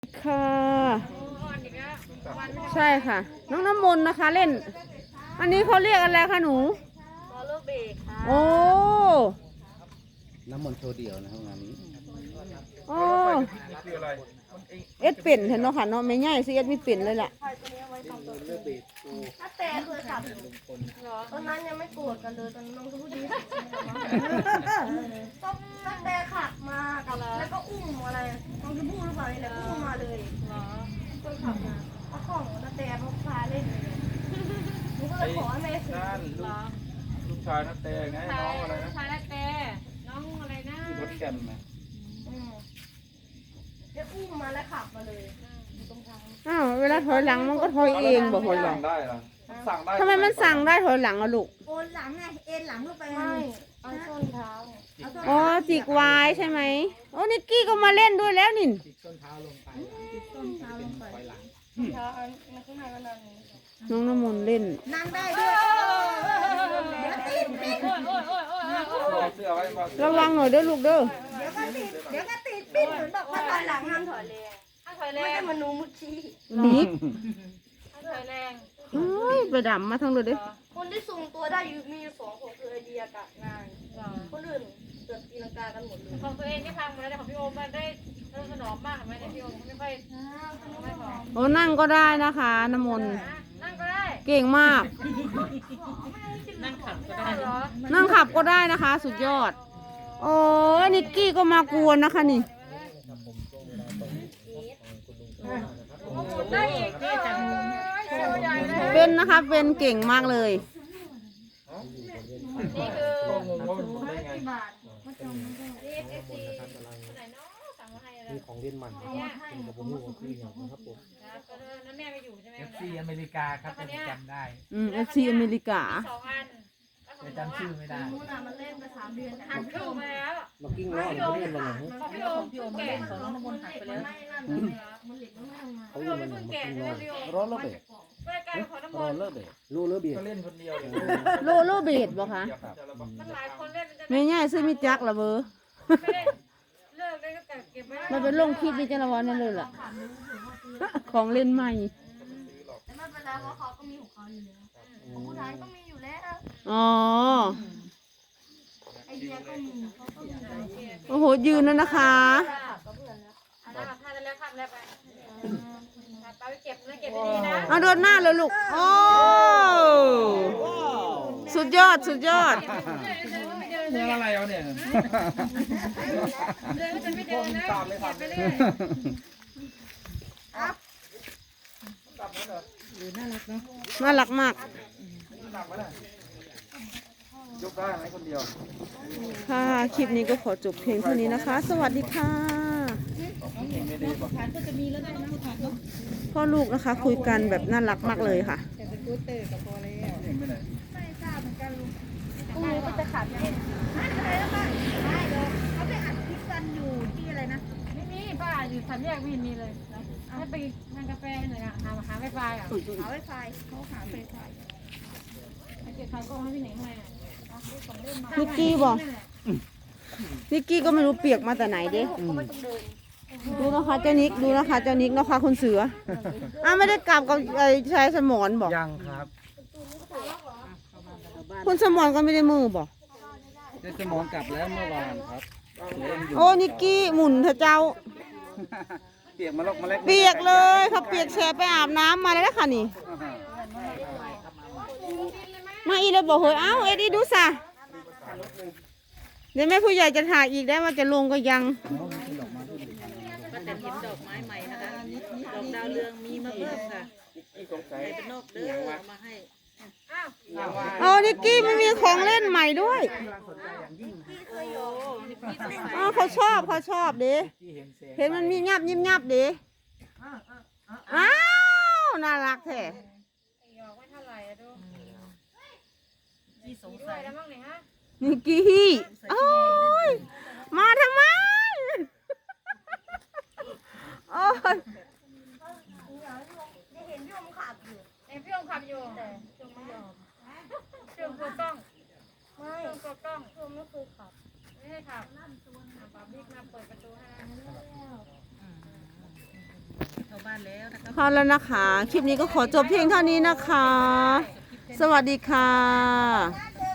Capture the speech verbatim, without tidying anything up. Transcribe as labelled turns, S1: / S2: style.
S1: ค่ะใช่ค่ะน้องน้ำมนต์นะคะเล่นอันนี้เขาเรียกอะไรคะหนู
S2: บอลลูเบกค่ะ
S1: โอ้
S3: น้ำมนต์โชว์เดี่ยวนะห้องน้ำนี้
S1: โอ้เอ็ดเป็นเห็นเนาะค่ะเนาะไม่ง่ายสิเอ็ดไม่เป็นเลยล่ะ
S2: ถ้าแต่เคยขับตอนนั้นยังไม่โกรธกันเลยตอนน้องก็พูดดีต้องถ้าแต่ขับมากับแล้วก็อุ้มอะไรน้องจะพูดหรือเปล่าอะไรก็อุ้มมาเลยคนขับมาเอาของถ้าแต่พกพาเล่นเลยหนูก็เลยขอให้แม่ซื้อ
S4: ลูกชายนักเตะไงน้องอะไรนะ
S5: ชายนักเตะน้องอะไรนะ
S4: ที่รถแก่นนะ
S2: เดี๋ยวอุ้มมาแล้วขับมาเลยตรงทาง
S1: อ้าวเวลาถอยหลังมันก็ถอยเองบอกถอยหลัง
S4: ได้เหรอสั่งได้
S1: ทำไมมันสั่งได้ถอยหลังอะลูก
S2: โอนหลังไงเอ็นหลังเข้าไปไม่เอาส้นเท้า
S1: อ๋อจิกวายใช่ไหมโอ้นิกกี้ก็มาเล่นด้วยแล้วนิน
S3: จิกส้นเท้าลงไป
S2: ส้นเท้าลงไปถอยหลังเท้าอันข้างในมันนั่ง
S1: น้องน้ำมนต์เล่น
S2: นั่งได้ด้วยเดี๋ยวติดติด
S1: ระวังหน่อยเด้อลูกเด้อ
S2: เดี๋ยวก็ติดเดี๋ยวก็ติดปิ้นเหมือนบอกว่าถอยหลังห้ามถอยแรงห้ามถอยแรงไม่ได้มนูมุชี
S1: นิก
S5: ห้ามถอยแรง
S1: เฮ้ยไปดำมาทั้งเลยเด้
S2: คนที่ทรงตัวได้อยู่มีสองคนคือไอเดียกับงานคนอื่นเกิดตีลังกากันหมดเลย
S5: ของตัวเองที่พังหมดแล้วแต่ของพี่โอมมันได้สนอมมากเห็นไหมเนี่ยพี่โอมไม่ค่อยไม่พอ
S1: โอ้นั่งก็ได้นะคะน้ำมนต์
S5: นั่งก็ได้
S1: เก่งมาก
S5: นั่งขับก็ได้เหรอ
S1: นั่งขับก็ได้นะคะสุดยอดโอ้นิกกี้ก็มากวนนะคะนี่
S5: ได้อีก
S1: เป็นนะคะเป็นเก่งมากเลย
S5: นี่คือ
S2: กี่บาท
S5: นี่เอฟซีคนไหนเนาะสั่งมาให้แล้ว
S3: มีของเล่นมันกับผมอยู่ที่นี่นะครับผม
S5: นั่นแม่ไปอยู่ใช่ไหม
S3: เอฟซีอเมริกาครับจำได้
S1: อืมเอฟซีอเมริกา
S5: สองอัน
S3: แต่จำชื่อไม่ได้
S2: มูน่ะมันเล่นมาสามเดือน
S5: หันคู่มาแล้ว
S3: มากิ้งล้อเขาเล่นมาหนัง
S5: ของพี่โอมพี่โอมแก่ของน้องน้ำมนต์หายไปแล้ว
S3: เขาเล่นมาหนังมากิ้งล้อร้อนระเบิดร้อนระเบิดรู้ระเบิด
S4: เล่นคนเดียว
S1: โลโลเบดบ่คะ
S5: มันหลายคนเล่น
S1: ไม่ง่ายซื้อมิจักละเบอร์
S5: เลิกได้ก็เก็บไว้
S1: มันเป็นลงคลิปนี่จะระวังนั่นเลยล่ะของเล่นใหม่
S2: แต่ไม่เป็นไรเพราะเขาก็มีของเขาอยู่แล้วของผู้ชายก็มีอยู่แล้ว
S1: อ๋อ
S2: ไอเดียก็มีเขาก็มี
S1: โอ้โหยืนแล้วนะคะ
S5: พาไปแล้วพาไปแล้วไปไปเก็บนะเก็บดีๆนะ
S1: เอาโดนหน้าเลยลูกโอ้สุดยอดสุดยอด
S4: เรื่องอะไรเอาเนี่ย
S5: เดินก็จะไม่เดินนะเก็บไปเรื่อย
S1: น่ารักเนาะน่ารักมาก
S4: ยกได้ไหมคนเดียว
S1: ค่ะคลิปนี้ก็ขอจบเพียงเท่านี้นะคะสวัสดีค่ะพ่อลูกนะคะคุยกันแบบน่ารักมากเลยค่ะ
S2: พรุ่งนี้ก็จะขับเองอะไรแล้วป้าได้เลยเขาไปอัดคลิปกันอยู่ที่อะไรนะ
S5: ไม่มีป้าอยู่สามแยกวินมีเลยให้ไปทานกาแฟหน่อยอ่ะหาหาไวไฟอ่ะ
S2: หาไวไฟเขาหาไวไฟ
S5: ให้เก็บไฟก็ให้พี่หนิงมา
S1: นิกกี้บอกนิกกี้ก็ไม่รู้เปียกมาแต่ไหนเด้ดูนะคะเจ้านิกดูนะคะเจ้านิกนะคะคุณเสืออ้าวไม่ได้กลับกับไอ้ชายสมรบอก
S3: ยังครับ
S1: คุณสมรก็ไม่ได้มือบอก
S3: ได้สมรกลับแล้วเมื่อวานครับ
S1: โอ้นิกกี้หมุนเถอะเจ้า
S3: เปียกมาลกมาเล็ก
S1: เปียกเลยเขาเปียกแฉไปอาบน้ำมาแล้วค่ะนี่มาอีแล้วบอกเฮ้ยเอ้าเอ็ดดี้ดูซะเดี๋ยวแม่ผู้ใหญ่จะถ่ายอีกได้ว่าจะลงก็ยัง
S5: ก็แต่เห็นดอกไม้ใหม่นะคะดอกดาวเรืองมีมาเพิ่มค่ะเป็นนอกเด้อมาให้
S1: อ๋อนิกกี้มันมีของเล่นใหม่ด้วยอ๋อเขาชอบเขาชอบดิเห็นมันมีงับยิ้มงับดิอ้าวน่ารักแท้
S5: ที่สงสัยแล้วมั้งเนี่ยฮะ
S1: นิกกี้โอ้ยมาทำไมโอ้ย
S2: เห็นพี่อมขับอยู่
S5: เห็นพี่อมขับอยู่แต่จงไม่ยอมเชื่อมตัวกล้องไม่เชื่อมตัวกล้อง
S2: พี่อมไม่เคยขับ
S5: ไม่ให้ขับป๊าบิ๊กมาเปิดประตูให้บ้านแล้วนะคะ
S1: พอแล้วนะคะคลิปนี้ก็ขอจบเพียงเท่านี้นะคะ สวัสดีค่ะ
S2: เจอ